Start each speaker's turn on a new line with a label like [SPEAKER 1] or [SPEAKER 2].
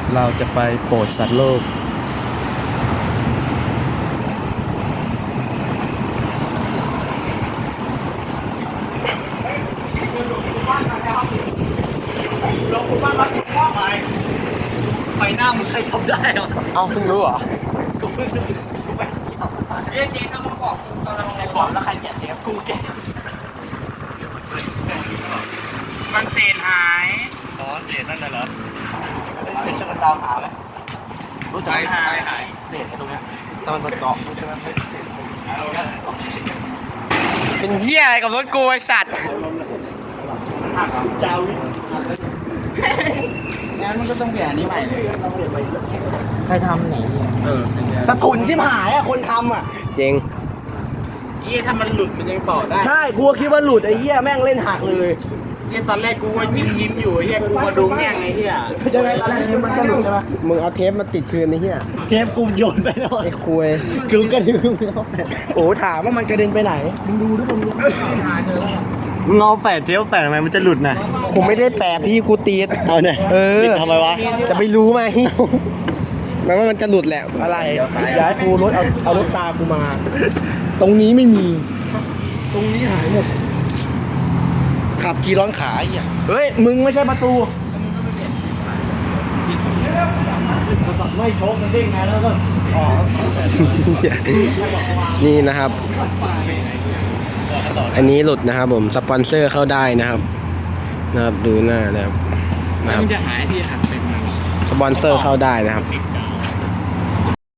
[SPEAKER 1] เราจะไปโปรดสัตว์โลก
[SPEAKER 2] ไฟหน้ามึงใครทำได้เหรอ
[SPEAKER 1] เอาเพิ่งรู้เหรอ
[SPEAKER 2] กูเพิ่งรู้กูไปเจ๊ถ้ามึงบอกตอนเราไงบอกแล้วใครแกะเทปกูแกะมันเศษหายอ๋อเศษนั่นน่ะเหรอเศษช่างมันดาวหาไหมรู้จักหายเศษตรงเนี้ยตอนมันเกาะเป็นเหี้ยอะไรกับรถกูไอสัตว์เจ้างั้นมันก็ต้องเปลี่ยนอันนี้ใหม่เลยใครทำไหนสะทุนชิบหายอ่ะคนทำอ่ะ
[SPEAKER 1] เจ๋ง
[SPEAKER 2] เหี้ยถ้ามันหลุดมันยังต่อได้
[SPEAKER 3] ใช่กูก็คิดว่าหลุดไอ้เหี้ยแม่งเล่นหักเลย
[SPEAKER 2] เหี้ยตอนแรกกูว่ายิ้มอยู่เหี้ยกูมาดูแม่งไอ้เหี้ย
[SPEAKER 3] ยังไงตอนแรกเทปมันก็หลุดใช่ไหม
[SPEAKER 1] มึงเอาเทปมาติดคืนไอ้เหี้ย
[SPEAKER 3] เทปกูโยนไปแล้ว
[SPEAKER 1] ไอ้คุย
[SPEAKER 3] กูกระดิ่งโอ้ถามว่ามันกระเด็นไปไหนมึงดูทุกคน
[SPEAKER 1] มึงเอาแปะเทปแปะทำไมมันจะหลุดนะผมไม่ได้แปะพี่กูตีดเอาเนี่ยติดทำไมวะจะไปรู้ไหมแม้ว่ามันจะหลุดแหละ
[SPEAKER 3] อะไรย้ายกูรถเอารถตากูมา ตรงนี้ไม่มี ตรงนี้หายหมดขับขี่ร้อนขาไอ้เหี้ยเฮ้ยมึงไม่ใช่ประตูไม่โชกมันเด้งไงแล้วก็อ๋อ
[SPEAKER 1] นี่นะครับ อันนี้หลุดนะครับผมสปอนเซอร์เข้าได้นะครับดูหน้านะครับ
[SPEAKER 2] มันจะหายที่หักเป็น
[SPEAKER 1] สปอนเซอร์เข้าได้นะครับ
[SPEAKER 2] ปิดใจ